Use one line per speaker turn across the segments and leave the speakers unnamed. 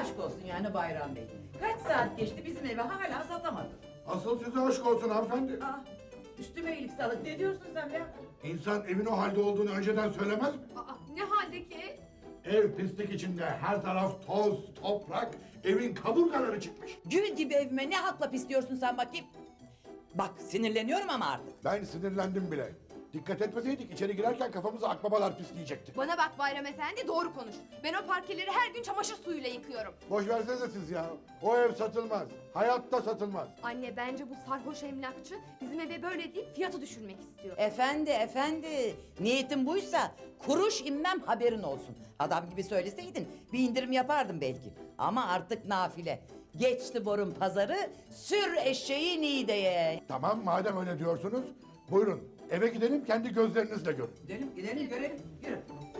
aşk olsun yani Bayram Bey. Kaç saat geçti bizim eve hala satamadın.
Asıl size aşk olsun hanımefendi.
Aa, üstüme iyilik sağlık. Ne diyorsun sen be?
İnsan evin o halde olduğunu önceden söylemez mi?
Aa, ne haldeki ev?
Ev pislik içinde, her taraf toz, toprak, evin kaburgaları çıkmış.
Gül gibi evime ne hakla pisliyorsun sen bakayım? Bak sinirleniyorum ama artık.
Ben sinirlendim bile. Dikkat etmeseydik içeri girerken kafamıza akbabalar pisleyecekti.
Bana bak Bayram Efendi, doğru konuş. Ben o parkeleri her gün çamaşır suyuyla yıkıyorum.
Boş versenize siz ya. O ev satılmaz. Hayatta satılmaz.
Anne, bence bu sarhoş emlakçı bizim eve böyle deyip fiyatı düşürmek istiyor.
Efendi. Niyetin buysa kuruş inmem haberin olsun. Adam gibi söyleseydin bir indirim yapardım belki. Ama artık nafile. Geçti borun pazarı, sür eşeği Niğde'ye.
Tamam madem öyle diyorsunuz. Buyurun eve gidelim kendi gözlerinizle görün.
Gidelim görelim. Yürü.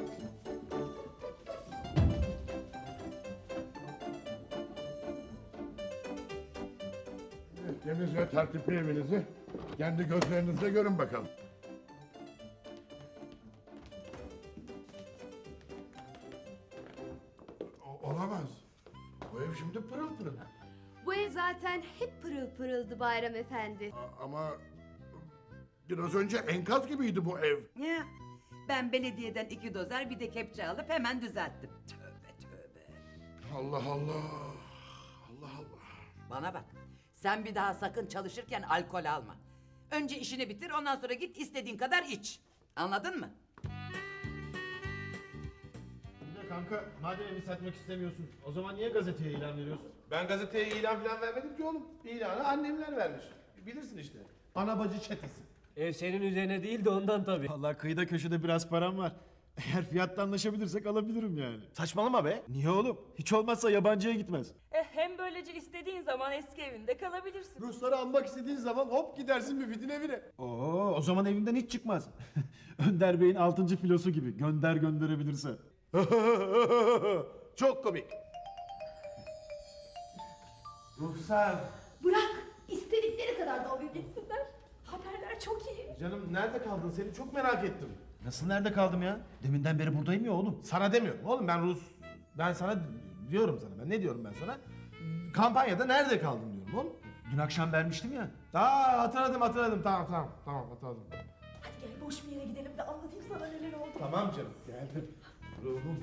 Temiz ve tertipli evinizi kendi gözlerinizle görün bakalım. Olamaz. Bu ev şimdi pırıl pırıl.
Bu ev zaten hep pırıl pırıldı Bayram Efendi.
Ama biraz önce enkaz gibiydi bu ev.
Ya, ben belediyeden 2 dozer bir de kepçe alıp hemen düzelttim. Tövbe.
Allah Allah. Allah Allah.
Bana bak, sen bir daha sakın çalışırken alkol alma. Önce işini bitir, ondan sonra git istediğin kadar iç. Anladın mı?
Bir de kanka, madem evi satmak istemiyorsun, o zaman niye gazeteye ilan veriyorsun? Ben gazeteye ilan falan vermedim ki oğlum. İlanı annemler vermiş. Bilirsin işte. Ana bacı çetesi.
Ev senin üzerine değil de ondan tabii.
Vallahi kıyıda köşede biraz param var. Eğer fiyatta anlaşabilirsek alabilirim yani. Saçmalama be. Niye oğlum? Hiç olmazsa yabancıya gitmez.
Hem böylece istediğin zaman eski evinde kalabilirsin.
Rusları almak istediğin zaman hop gidersin Müfit'in evine. Oo, o zaman evinden hiç çıkmaz. Önder Bey'in 6. filosu gibi. Gönder gönderebilirse. Çok komik. Ruhsar.
Bırak, istedikleri kadar dalga geçsinler. Haberler çok iyi.
Canım nerede kaldın? Seni çok merak ettim. Nasıl nerede kaldım ya? Deminden beri buradayım ya oğlum. Sana demiyorum oğlum, ben sana diyorum sana. Ben ne diyorum ben sana? Kampanyada nerede kaldın diyorum oğlum. Dün akşam vermiştim ya. Hatırladım. Tamam hatırladım.
Hadi gel boş bir yere gidelim de anlatayım sana neler oldu.
Tamam canım geldim. Ruhum.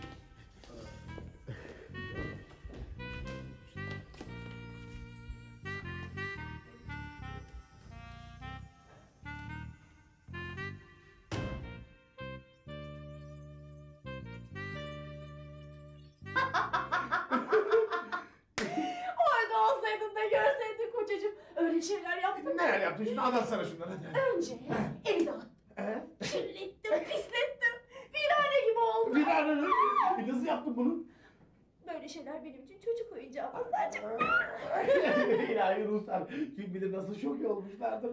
Orada olsaydın da görseydin kocacığım. Öyle şeyler yaptım.
Neler yaptın şimdi anlatsana şunları hadi.
Önce evi dağıttım. Kirlettim, pislettim. Virane gibi oldu.
Bir an nasıl yaptın bunu?
Böyle şeyler benim için çocuk oyuncağı Mazhar'cığım.
İlahi Ruslar kim bilir nasıl şok olmuşlardır.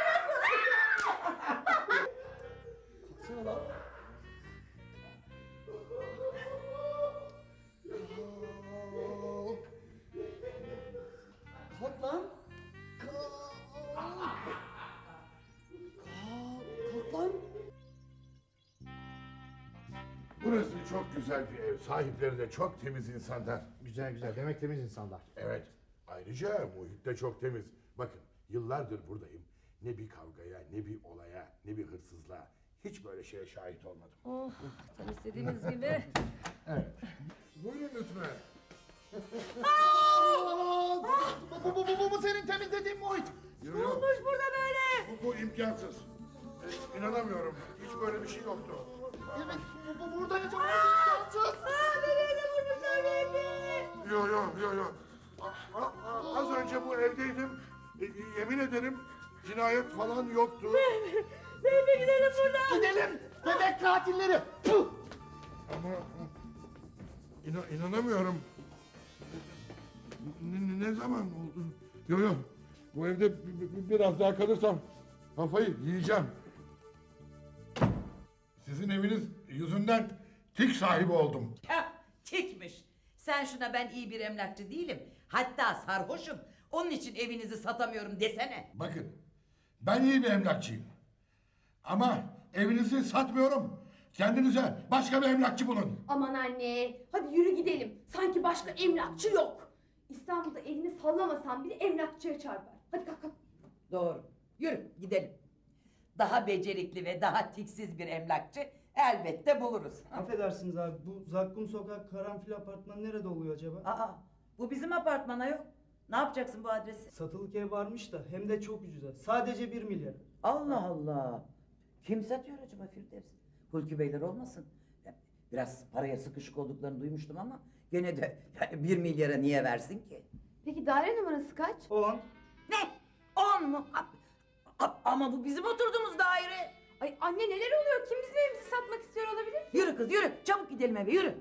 Kalksana lan. Kalk lan. Kalk lan.
Burası çok güzel bir ev. Sahipleri de çok temiz insanlar.
Güzel demek temiz insanlar.
Evet. Ayrıca muhit de çok temiz. Bakın yıllardır buradayım. Ne bir kavgaya, ne bir olaya, ne bir hırsızlığa. Hiç böyle şeye şahit olmadım.
Oh, tam istediğimiz gibi.
Evet. Buyurun lütfen.
Bu senin temizlediğin muhit.
Ne olmuş burada böyle? Bu imkansız. İnanamıyorum. Hiç böyle bir şey yoktu.
Evet burada yaşamak imkansız.
Yo. Az önce bu evdeydim. Yemin ederim cinayet falan yoktu.
Beybe gidelim buradan.
Gidelim. Bebek katilleri. Puh!
Ama inanamıyorum. Ne zaman oldu? Yo. Bu evde biraz daha kalırsam kafayı yiyeceğim. Sizin eviniz yüzünden tik sahibi oldum.
Heh, tikmiş. Sen şuna ben iyi bir emlakçı değilim. Hatta sarhoşum. Onun için evinizi satamıyorum desene.
Bakın ben iyi bir emlakçıyım. Ama evinizi satmıyorum. Kendinize başka bir emlakçı bulun.
Aman anne, hadi yürü gidelim. Sanki başka emlakçı yok. İstanbul'da elini sallamasan bile emlakçıya çarpar. Hadi kalk kalk.
Doğru. Yürü gidelim. Daha becerikli ve daha tiksiz bir emlakçı elbette buluruz.
Affedersiniz abi, bu Zakkum Sokak Karanfil Apartmanı nerede oluyor acaba?
Aa, bu bizim apartmana yok. Ne yapacaksın bu adresi?
Satılık ev varmış da hem de çok ucuza. Sadece 1 milyar.
Allah Allah. Kim satıyor acaba Firdevs? Hulki Beyler olmasın? Biraz paraya sıkışık olduklarını duymuştum ama gene de yani 1 milyara niye versin ki?
Peki daire numarası kaç?
10.
Ne? 10 mu? Ama bu bizim oturduğumuz daire.
Ay anne neler oluyor? Kim bizim evimizi satmak istiyor olabilir?
Yürü kız yürü. Çabuk gidelim eve yürü.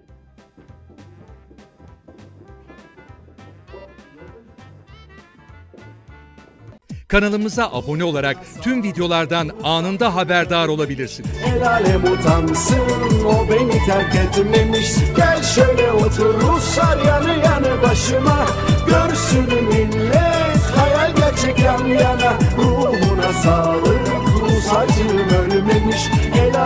Kanalımıza abone olarak tüm videolardan anında haberdar olabilirsiniz.
El alem utansın, o beni terk etmemiş. Gel şöyle otur Ruslar yanı yanı başıma. Görsün millet hayal gerçek yan yana. Ruhuna sağlık, Rus acım ölmemiş.